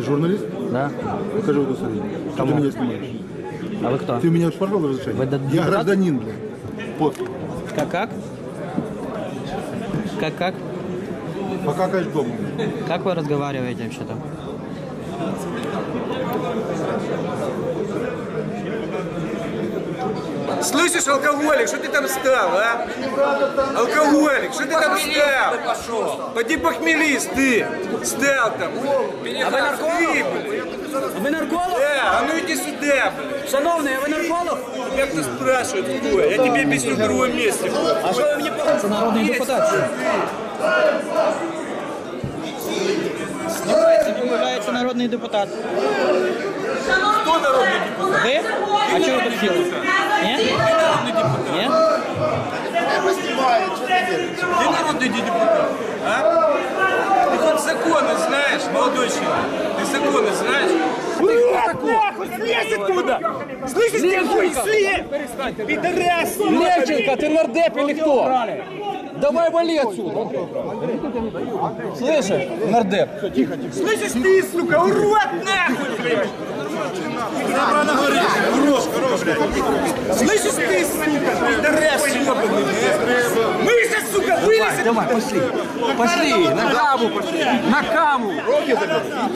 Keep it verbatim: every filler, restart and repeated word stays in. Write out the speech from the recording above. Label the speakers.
Speaker 1: журналист?
Speaker 2: Да.
Speaker 1: Покажи удостоверение. Что ты меня снимаешь?
Speaker 2: А вы кто?
Speaker 1: Ты у меня спрашивал разрешение?
Speaker 2: Вы д-
Speaker 1: Я
Speaker 2: депутат?
Speaker 1: гражданин, блядь. Вот.
Speaker 2: Как как? Как как?
Speaker 1: Пока кайф дома.
Speaker 2: Как вы разговариваете вообще-то?
Speaker 3: Слышишь, алкоголик, что ты там стал, а? Алкоголик, что ты там стал? Поди похмелись, ты. Стал там.
Speaker 4: А ви нарколог? Ви нарколог?
Speaker 3: Да, а ну иди сюда, блядь.
Speaker 4: Шановний, а ви нарколог?
Speaker 3: Как ты спрашивают, кто? Я тебе объясню в другом месте.
Speaker 4: А що ви мені покажете?
Speaker 2: Це народний депутат. Знімається, відмовляється народний депутат.
Speaker 3: Кто народный депутат?
Speaker 2: Ви? А чого ви тут сіли? Ні?
Speaker 3: Ты народный депутат.
Speaker 2: Ні?
Speaker 3: Ты народный депутат, а? Ты хоть законы знаешь, молодой человек? Ты законы знаешь?
Speaker 4: Нахуй, слезь оттуда! Слышишь, ты хуй, слезь! Пидорас! Левченко, ты нардеп или кто? Давай вали отсюда! Слышишь, нардеп?
Speaker 3: Слышишь ты, сука, урод нахуй, блядь! Слышишь ты, сука, пидорас ебаный, блядь! Мы сейчас, сука, вылезем!
Speaker 4: Давай, пошли! Пошли! На каму пошли! На каму!